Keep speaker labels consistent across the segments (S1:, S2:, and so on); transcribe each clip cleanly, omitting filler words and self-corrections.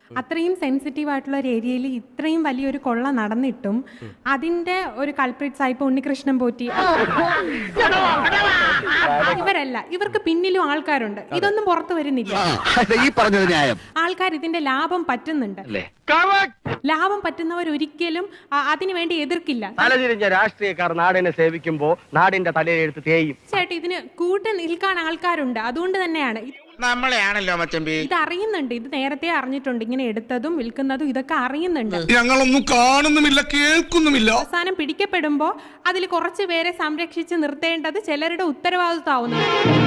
S1: അത്രയും സെൻസിറ്റീവ് ആയിട്ടുള്ള ഒരു ഏരിയയിൽ ഇത്രയും വലിയൊരു കൊള്ള നടന്നിട്ടും അതിന്റെ ഒരു കൾപ്രിറ്റ്സ് ആയിപ്പോ ഉണ്ണികൃഷ്ണൻ പോറ്റി ഇവരല്ല, ഇവർക്ക് പിന്നിലും ആൾക്കാരുണ്ട്. ഇതൊന്നും പുറത്തു വരുന്നില്ല. ആൾക്കാർ ഇതിന്റെ ലാഭം പറ്റുന്നുണ്ട്. ലാഭം പറ്റുന്നവർ ഒരിക്കലും അതിനുവേണ്ടി എതിർക്കില്ല.
S2: തലതിരിഞ്ഞ രാഷ്ട്രീയക്കാർ നാടിനെ സേവിക്കുമ്പോ നാടിന്റെ തലയെടുത്ത് തേയും.
S1: ചേട്ടാ, ഇതിന് കൂട്ട് നിൽക്കാൻ ആൾക്കാരുണ്ട്. അതുകൊണ്ട് തന്നെയാണ്
S3: നമ്മളെയാണല്ലോ മച്ചമ്പി
S1: ഇത് അറിയുന്നുണ്ട്. ഇത് നേരത്തെ അറിഞ്ഞിട്ടുണ്ട്. ഇങ്ങനെ എടുത്തതും വിൽക്കുന്നതും ഇതൊക്കെ അറിയുന്നുണ്ട്.
S4: ഞങ്ങളൊന്നും കാണുന്നുമില്ല, കേൾക്കുന്നുമില്ല.
S1: അവസാനം പിടിക്കപ്പെടുമ്പോ അതിൽ കുറച്ചു പേരെ സംരക്ഷിച്ച് നിർത്തേണ്ടത് ചിലരുടെ ഉത്തരവാദിത്വമാവുന്നു.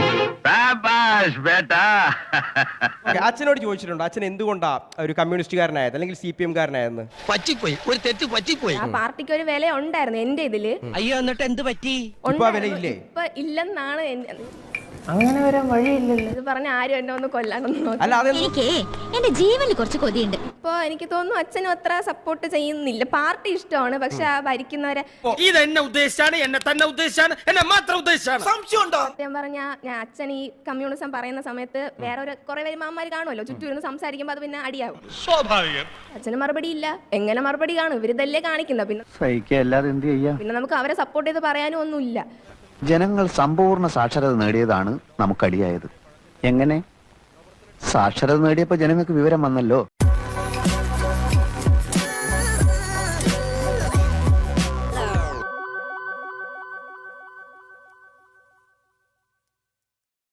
S5: അച്ഛനോട് ചോദിച്ചിട്ടുണ്ട്, അച്ഛൻ എന്തുകൊണ്ടാ ഒരു കമ്മ്യൂണിസ്റ്റുകാരനായത് അല്ലെങ്കിൽ CPM കാരനായെന്ന്?
S3: പറ്റിപ്പോയി, ഒരു തെറ്റ് പറ്റിപ്പോയി.
S6: ആ പാർട്ടിക്ക് ഒരു വില ഉണ്ടായിരുന്നു എന്റെ ഇതില്.
S3: അയ്യോ, എന്നിട്ട് എന്ത് പറ്റി?
S5: ഇപ്പൊ വിലയില്ലേ?
S6: ഇപ്പൊ ഇല്ലെന്നാണ്
S7: അങ്ങനെ വരാൻ വഴിയില്ലല്ലോ.
S6: ഇത് പറഞ്ഞ ആരും എന്നെ ഒന്ന് കൊല്ലാനൊന്നും.
S5: അല്ല,
S8: എനിക്ക് എന്റെ ജീവനിൽ കുറച്ച് കൊതിയുണ്ട്.
S6: ഇപ്പൊ എനിക്ക് തോന്നുന്നു അച്ഛനും അത്ര സപ്പോർട്ട് ചെയ്യുന്നില്ല. പാർട്ടി ഇഷ്ടമാണ്, പക്ഷെ ആ ഭരിക്കുന്നവരെ
S3: ഇതെന്നെ ഉദ്ദേശിച്ചാണ്, എന്നെ തന്നെ ഉദ്ദേശിച്ചാണ്, എന്നെ മാത്രം ഉദ്ദേശിച്ചാണ്.
S6: ഞാൻ പറഞ്ഞ ഞാൻ അച്ഛൻ ഈ കമ്മ്യൂണിസം പറയുന്ന സമയത്ത് വേറെ ഒരു കുറെ വരുമാന്മാര് കാണുമല്ലോ ചുറ്റും ഇരുന്ന് സംസാരിക്കുമ്പോ അത് പിന്നെ അടിയാവും.
S4: സ്വാഭാവികം.
S6: അച്ഛന് മറുപടി ഇല്ല. എങ്ങനെ മറുപടി കാണും? ഇവരിതല്ലേ കാണിക്കുന്ന. പിന്നെ നമുക്ക് അവരെ സപ്പോർട്ട് ചെയ്ത് പറയാനും ഒന്നുമില്ല.
S9: ജനങ്ങൾ സമ്പൂർണ്ണ സാക്ഷരത നേടിയതാണ് നമുക്കടിയായത്. എങ്ങനെ? സാക്ഷരത നേടിയപ്പോ ജനങ്ങൾക്ക് വിവരം വന്നല്ലോ.